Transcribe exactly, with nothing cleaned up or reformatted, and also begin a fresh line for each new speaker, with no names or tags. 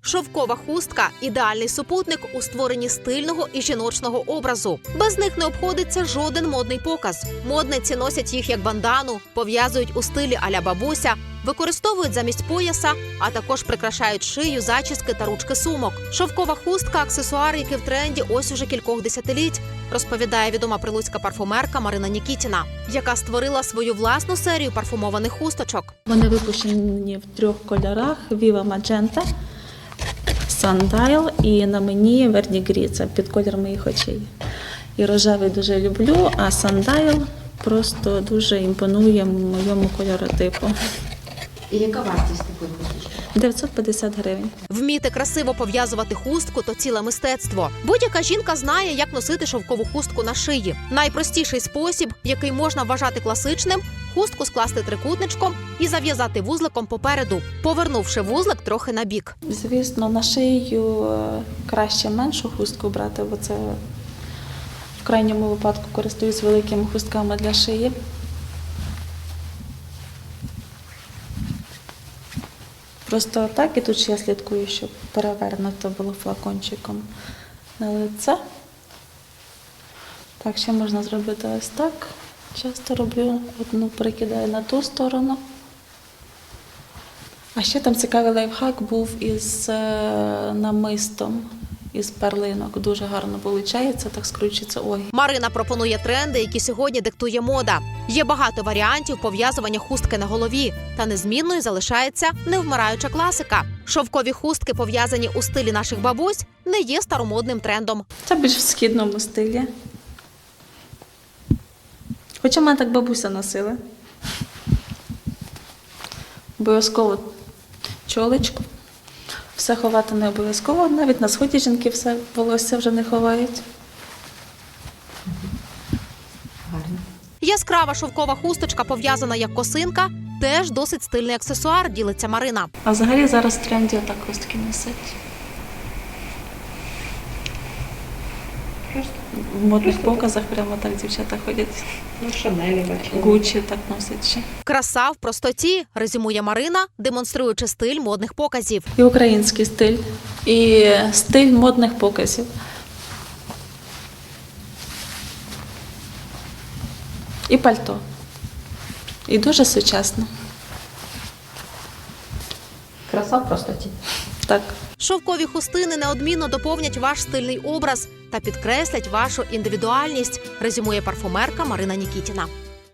Шовкова хустка – ідеальний супутник у створенні стильного і жіночного образу. Без них не обходиться жоден модний показ. Модниці носять їх як бандану, пов'язують у стилі а-ля бабуся, використовують замість пояса, а також прикрашають шию, зачіски та ручки сумок. Шовкова хустка – аксесуар, який в тренді ось уже кількох десятиліть, розповідає відома прилуцька парфумерка Марина Нікітіна, яка створила свою власну серію парфумованих хусточок.
Вони випущені в трьох кольорах – Viva Magenta, Sundial і на мені Verdigris, це під колір моїх очей. І рожевий дуже люблю, а Sundial просто дуже імпонує моєму кольоротипу.
І яка вартість такої хусточки?
дев'ятсот п'ятдесят гривень.
Вміти красиво пов'язувати хустку – то ціле мистецтво. Будь-яка жінка знає, як носити шовкову хустку на шиї. Найпростіший спосіб, який можна вважати класичним – хустку скласти трикутничком і зав'язати вузликом попереду, повернувши вузлик трохи на бік.
Звісно, на шию краще меншу хустку брати, бо це в крайньому випадку користуюсь великими хустками для шиї. Просто так, і тут ще я слідкую, щоб перевернуто було флакончиком на лице. Так, ще можна зробити ось так. Часто роблю, одну перекидаю на ту сторону. А ще там цікавий лайфхак був із е, намистом, із перлинок. Дуже гарно виходить, так скручується. Ой.
Марина пропонує тренди, які сьогодні диктує мода. Є багато варіантів пов'язування хустки на голові, та незмінною залишається невмираюча класика. Шовкові хустки, пов'язані у стилі наших бабусь, не є старомодним трендом.
Це більш в східному стилі. Хоча мене так бабуся носила. Обов'язково чолочку. Все ховати не обов'язково. Навіть на сході жінки все волосся вже не ховають.
Гарно.
Яскрава шовкова хусточка, пов'язана як косинка, теж досить стильний аксесуар, ділиться Марина.
А взагалі зараз в тренді отак хустки носять. В модних показах прямо так дівчата ходять.
Ну, Шанелі бачила.
Гуччі так носять ще.
Краса в простоті, резюмує Марина, демонструючи стиль модних показів.
І український стиль, і стиль модних показів. І пальто. І дуже сучасно.
Краса в простоті.
Так.
Шовкові хустини неодмінно доповнять ваш стильний образ та підкреслять вашу індивідуальність, резюмує парфумерка Марина Нікітіна.